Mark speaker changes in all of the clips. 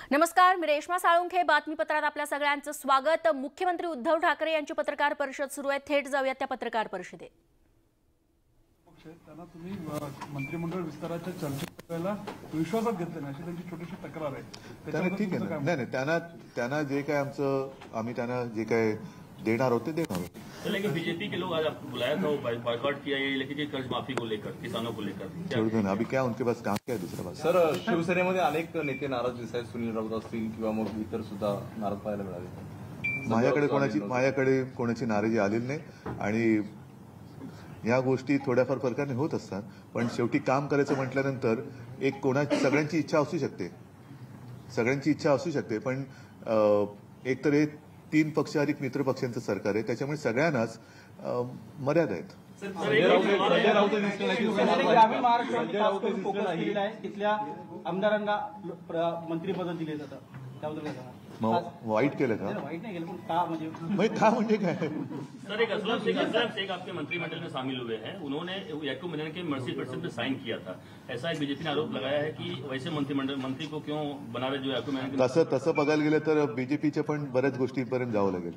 Speaker 1: नमस्कार, मी रेश्मा साळुंखे. बातमीपत्रात आपल्या सगळ्यांचं स्वागत. मुख्यमंत्री उद्धव ठाकरे यांची पत्रकार परिषद सुरू आहे. थेट जाऊया त्या पत्रकार परिषदेत.
Speaker 2: त्यांना तुम्ही मंत्रिमंडळ विस्ताराच्या चर्चेला विश्वासात घेतले नाही अशी त्यांची छोटीशी तक्रार आहे.
Speaker 3: त्याने ठीक आहे ना. नाही त्यांना जे काय आम्ही त्यांना जे काय देणार होते देणार होते.
Speaker 4: लेकिन बीजेपी के लोग आज आपको बुलाया था, वो बॉयकॉट किया ये लेकिन कि कर्ज माफी को लेकर, किसानों को लेकर
Speaker 3: छोड़ दो ना. अभी क्या उनके पास काम क्या है दूसरा बात.
Speaker 5: सर, शिवसेनेमध्ये अनेक नेते नाराज दिसत आहेत. सुनील राऊत असतील किंवा मग इतर सुद्धा नाराज पाहायला मिळाले.
Speaker 3: माझ्याकडे कोणाची नाराजी आलेली नाही आणि या गोष्टी थोड्याफार फरकाने होत असतात. पण शेवटी काम करायचं म्हटल्यानंतर एक सगळ्यांची इच्छा असू शकते पण एक तर हे 3 पक्ष अधिक मित्र पक्षांचं सरकार आहे, त्याच्यामुळे सगळ्यांनाच मर्यादा आहेत.
Speaker 6: ग्रामीण महाराष्ट्रामध्ये तिथल्या आमदारांना मंत्रिपद दिले जातं, त्याबद्दल
Speaker 3: वाईट केलं का?
Speaker 6: वाईट नहीं केलं, पण का
Speaker 3: म्हणजे काय?
Speaker 4: सर, एक असलम शेख आपके मंत्रिमंडल में शामिल हुए हैं. उन्होंने याकूब मेनन के मर्सी पर्सन पे साइन किया था. ऐसा एक बीजेपी ने आरोप लगाया है कि वैसे मंत्री को क्यों बना रहे जो याकूब मेनन.
Speaker 3: तसं बघायला गेलं तर बीजेपीच्या पण बऱ्याच गोष्टींपर्यंत जावं लागेल.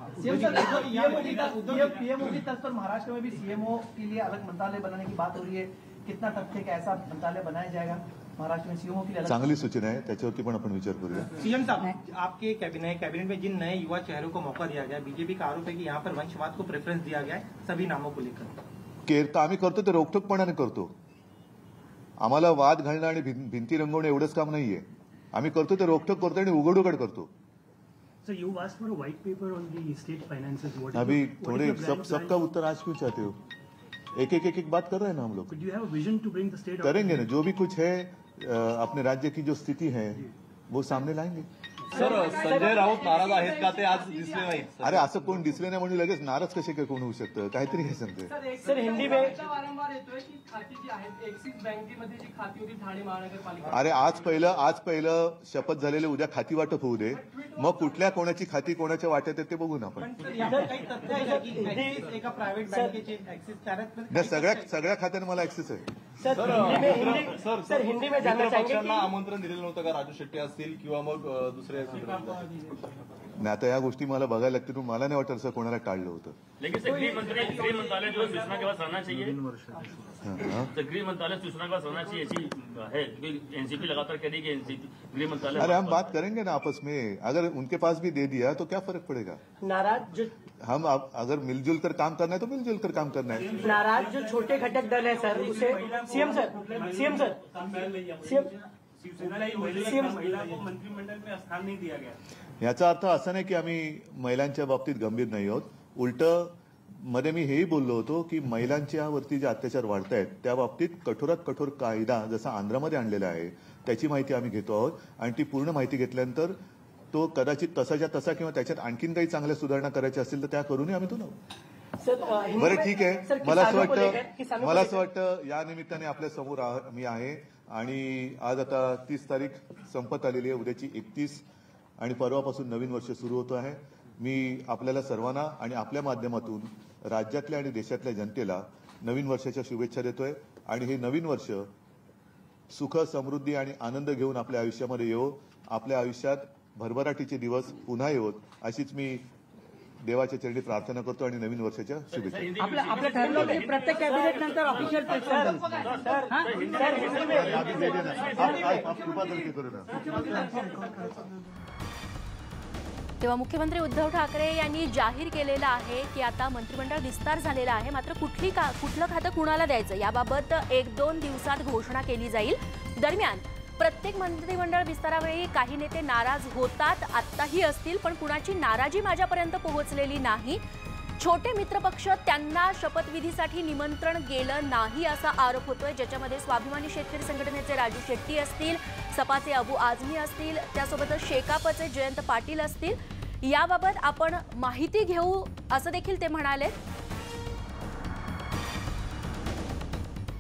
Speaker 6: पीएमओ की तर्ज पर महाराष्ट्र में भी सीएमओ के लिए अलग मंत्रालय बनाने की बात हो रही है. कितना तथ्य का ऐसा मंत्रालय बनाया जाएगा महाराष्ट्र में सीएमओ के लिए?
Speaker 3: चांगली सूचना है, त्याच्यावरती पण आपण विचार करूया.
Speaker 6: सीएम साहब, आपके कैबिनेट में जिन नए युवा चेहरों को मौका दिया गया, बीजेपी का आरोप है कि यहाँ पर वंशवाद को प्रेफरेंस दिया गया है सभी नामों को लेकर.
Speaker 3: आम्ही करतो ते रोखठोकपणाने करतो. आम्हाला वाद घालणं आणि भिंती रंगवणं एवढंच काम नाहीये. आम्ही करतो ते रोखठोक करतो आणि उघड करतो.
Speaker 7: So you asked for a white paper on the state finances.
Speaker 3: अभी थोड़े सबका उत्तर आज क्यों चाहते हो? एक बात कर रहे हैं ना हम लोग.
Speaker 7: Do you have a vision to bring the state?
Speaker 3: करेंगे ना, जो भी कुछ है अपने राज्य की जो स्थिति है वो सामने लाएंगे.
Speaker 5: सर, संजय राऊत नाराज आहेत का ते आज दिसले नाही?
Speaker 3: अरे असं कोण दिसले नाही म्हणून लगेच नाराज कसे काय कोण होऊ शकतं? काहीतरी हे सांगते.
Speaker 6: सर, हिंदी में
Speaker 8: वारंवार येतोय की खाती जी आहेत एक्सिस बँकेमध्ये जी खाती होती ठाणे महानगरपालिका.
Speaker 3: अरे आज पहिलं शपथ झालेले उद्या खाती वाटप होऊ दे, मग कुठल्या कोणाची खाती कोणाच्या वाट्यात आहे ते बघू ना आपण.
Speaker 6: एका प्रायव्हेट बँकेचे ऍक्सिस
Speaker 3: सगळ्या खात्यांना मला ऍक्सेस आहे.
Speaker 6: सर, हिंदी में जानना चाहेंगे
Speaker 5: पक्षांना आमंत्रण दिलेलं नव्हतं का? राजू शेट्टी असतील किंवा मग दुसरे.
Speaker 3: नाही, आता या गोष्टी मला बघायला लागतील. मला नाही वाटत असं कोणाला टाळलं होतं.
Speaker 4: लेकिन गृह मंत्रालय जो सूचना के पास रहना चाहिए. गृह मंत्रालय सूचना के पास रहना चाहिए ऐसी है. एनसीपी लगातार कह रही है कि एनसीपी गृह मंत्रालय.
Speaker 3: अरे हम बात करेंगे ना आपस में. अगर उनके पास भी दे दिया तो क्या फर्क पड़ेगा?
Speaker 6: नाराज
Speaker 3: हम अगर मिलजुल कर काम करना है तो मिलजुल कर काम करना है.
Speaker 6: नाराज जो छोटे घटक दल है सर, उसे सीएम सर
Speaker 7: महिला को मंत्रिमंडल में स्थान नहीं दिया गया.
Speaker 3: याचा अर्थ असा नाही की आम्ही महिलांच्या बाबतीत गंभीर नाही आहोत. उलट मध्ये मी हेही बोललो होतो की महिलांच्यावरती जे अत्याचार वाढत आहेत त्या बाबतीत कठोरात कठोर कायदा जसा आंध्रामध्ये आणलेला आहे त्याची माहिती आम्ही घेतो आहोत. आणि ती पूर्ण माहिती घेतल्यानंतर तो कदाचित तसाच्या तसा किंवा त्याच्यात आणखीन काही चांगल्या सुधारणा करायच्या असतील तर त्या करूनही आम्ही तो लावू. बरं, ठीक आहे. मला असं वाटतं या निमित्ताने आपल्या समोर मी आहे आणि आज आता 30 तारीख संपत आलेली आहे. उद्याची 31 आणि परवापासून नवीन वर्ष सुरू होतं आहे. मी आपल्याला सर्वांना आणि आपल्या माध्यमातून राज्यातल्या आणि देशातल्या जनतेला नवीन वर्षाच्या शुभेच्छा देतोय. आणि हे नवीन वर्ष सुख, समृद्धी आणि आनंद घेऊन आपल्या आयुष्यामध्ये येवो. आपल्या आयुष्यात भरभराटीचे दिवस पुन्हा येवोत अशीच मी देवाच्या चरणी प्रार्थना करतो आणि नवीन वर्षाच्या शुभेच्छा.
Speaker 6: आपलं ठरलं होतं प्रत्येक कॅबिनेट नंतर ऑफिशियल
Speaker 1: तेव्हा मुख्यमंत्री उद्धव ठाकरे यांनी जाहीर केलेलं आहे की आता मंत्रिमंडळ विस्तार झालेला आहे. मात्र कुठलं खातं कुणाला द्यायचं याबाबत 1-2 दिवसात घोषणा केली जाईल. दरम्यान प्रत्येक मंत्रिमंडळ विस्तारावेळी काही नेते नाराज होतात, आत्ताही असतील, पण कुणाची नाराजी माझ्यापर्यंत पोहोचलेली नाही. छोटे मित्रपक्ष त्यांना शपथविधीसाठी निमंत्रण गेलं नाही असा आरोप होतोय, ज्याच्यामध्ये स्वाभिमानी शेतकरी संघटनेचे राजू शेट्टी असतील, सपाचे अबू आझमी असतील, त्यासोबतच शेकापचे जयंत पाटील असतील. याबाबत आपण माहिती घेऊ असं देखील ते म्हणाले.